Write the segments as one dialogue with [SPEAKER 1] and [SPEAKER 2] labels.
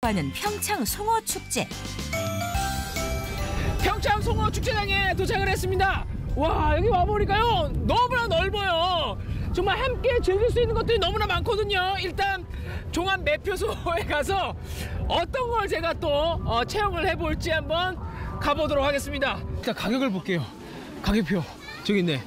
[SPEAKER 1] 주목받는 평창 송어 축제.
[SPEAKER 2] 평창 송어 축제장에 도착을 했습니다. 와, 여기 와보니까요 너무나 넓어요. 정말 함께 즐길 수 있는 것들이 너무나 많거든요. 일단 종합 매표소에 가서 어떤 걸 제가 또 체험을 해볼지 한번 가보도록 하겠습니다. 일단 가격을 볼게요. 가격표 저기 있네.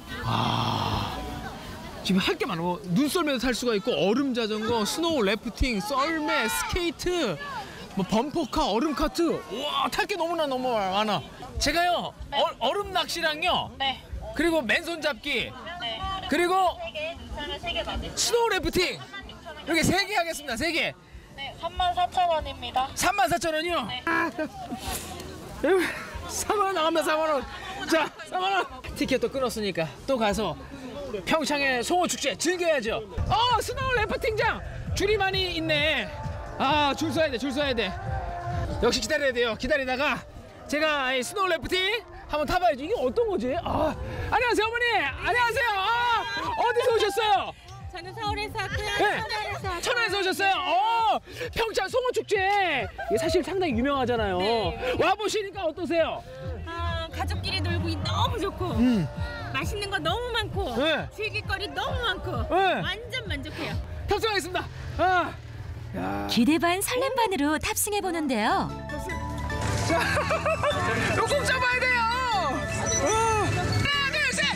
[SPEAKER 2] 지금 할 게 많아. 눈썰매도 탈 수가 있고 얼음 자전거, 스노우 래프팅, 썰매, 스케이트, 뭐 범퍼카, 얼음 카트. 와, 탈 게 너무나 너무 많아. 제가요
[SPEAKER 3] 네.
[SPEAKER 2] 얼음 낚시랑요.
[SPEAKER 3] 네.
[SPEAKER 2] 그리고 맨손 잡기.
[SPEAKER 3] 네.
[SPEAKER 2] 그리고
[SPEAKER 3] 3개 맞으세요.
[SPEAKER 2] 스노우 래프팅. 이렇게 3개 하겠습니다. 3개.
[SPEAKER 3] 네, 34,000원입니다.
[SPEAKER 2] 34,000원이요?
[SPEAKER 3] 네.
[SPEAKER 2] 4만 원 나갑니다. 4만 원. 자, 4만 원. 티켓도 끊었으니까 또 가서 평창의 송어 축제 즐겨야죠. 스노우 래프팅장 줄이 많이 있네. 줄 서야 돼, 줄 서야 돼. 역시 기다려야 돼요. 기다리다가 제가 이 스노우 래프팅 한번 타봐야죠. 이게 어떤 거지? 안녕하세요, 어머니. 안녕하세요. 어디서 오셨어요?
[SPEAKER 4] 저는 서울에서 왔고요.
[SPEAKER 2] 네.
[SPEAKER 4] 천안에서
[SPEAKER 2] 천안에서 오셨어요? 평창 송어 축제. 이게 사실 상당히 유명하잖아요.
[SPEAKER 4] 네.
[SPEAKER 2] 와 보시니까 어떠세요?
[SPEAKER 4] 가족끼리 놀고 너무 좋고 맛있는 거 너무 많고
[SPEAKER 2] 네.
[SPEAKER 4] 즐길 거리 너무 많고
[SPEAKER 2] 네.
[SPEAKER 4] 완전 만족해요.
[SPEAKER 2] 탑승하겠습니다.
[SPEAKER 1] 기대 반 설렘 반으로 탑승해 보는데요.
[SPEAKER 2] 자, 이거 꼭 잡아야 돼요. 하나, 둘, 셋,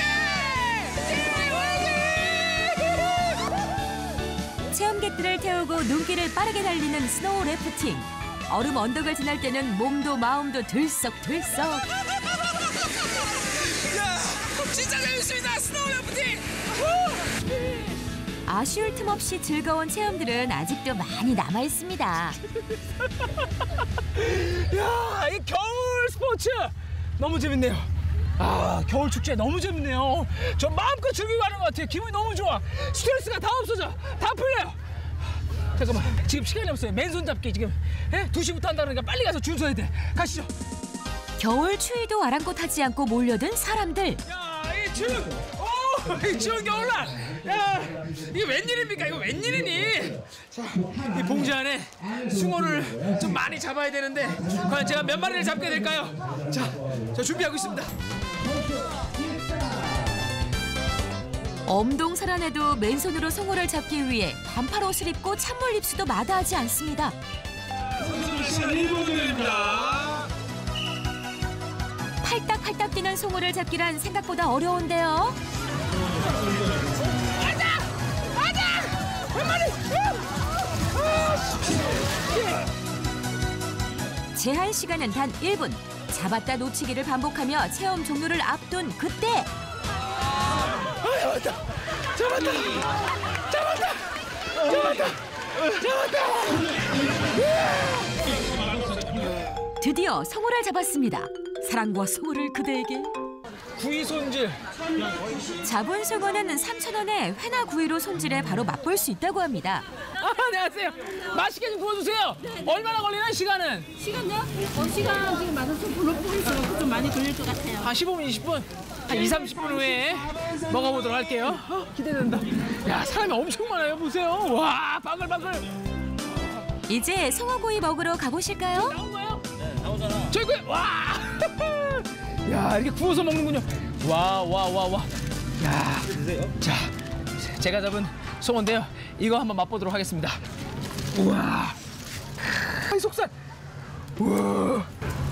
[SPEAKER 2] 화이팅!
[SPEAKER 1] 체험객들을 태우고 눈길을 빠르게 달리는 스노우 래프팅. 얼음 언덕을 지날 때는 몸도 마음도 들썩들썩.
[SPEAKER 2] 진짜 재밌습니다. 스노우 래프팅.
[SPEAKER 1] 아쉬울 틈 없이 즐거운 체험들은 아직도 많이 남아 있습니다.
[SPEAKER 2] 이 겨울 스포츠 너무 재밌네요. 겨울 축제 너무 재밌네요. 저 마음껏 즐기고 가는 것 같아요. 기분이 너무 좋아. 스트레스가 다 없어져. 다 풀려요. 잠깐만, 지금 시간이 없어요. 맨손 잡기 지금 2시부터 한다니까 빨리 가서 줄 서야 돼. 가시죠.
[SPEAKER 1] 겨울 추위도 아랑곳하지 않고 몰려든 사람들.
[SPEAKER 2] 이 추운 겨울날. 이게 웬일입니까? 이거 웬일이니? 자, 이 봉지 안에 숭어를 좀 많이 잡아야 되는데 과연 제가 몇 마리를 잡게 될까요? 자, 저 준비하고 있습니다.
[SPEAKER 1] 엄동설안에도 맨손으로 송어를 잡기 위해 반팔 옷을 입고 찬물 입수도 마다하지 않습니다. 팔딱팔딱 뛰는 송어를 잡기란 생각보다 어려운데요. 제한 시간은 단 1분. 잡았다 놓치기를 반복하며 체험 종료를 앞둔 그때. 잡았다. 드디어 송어를 잡았습니다. 사랑과 송어를 그대에게.
[SPEAKER 2] 구이 손질.
[SPEAKER 1] 잡은 송어는 3,000원에 회나 구이로 손질해 바로 맛볼 수 있다고 합니다.
[SPEAKER 2] 안녕하세요. 맛있게 좀 구워주세요. 얼마나 걸리나 시간은?
[SPEAKER 4] 시간요? 시간 지금 맞아서 불러보니까 좀 많이 걸릴 것 같아요.
[SPEAKER 2] 한 15분, 20분? 한 2, 30분 후에 먹어보도록 할게요. 기대된다. 야, 사람이 엄청 많아요. 보세요. 와, 바글바글.
[SPEAKER 1] 이제 송어구이 먹으러 가보실까요?
[SPEAKER 2] 나온 거요? 네, 나오잖아. 저기, 와! 야, 이렇게 구워서 먹는군요. 와. 야, 자, 제가 잡은 송어인데요. 이거 한번 맛보도록 하겠습니다. 우와, 이 속살. 우와.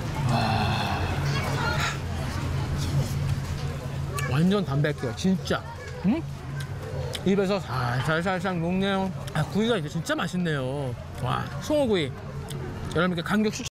[SPEAKER 2] 완전 담백해요, 진짜. 입에서 살살살 녹네요. 구이가 이게 진짜 맛있네요. 와, 송어구이. 여러분께 강력 추천.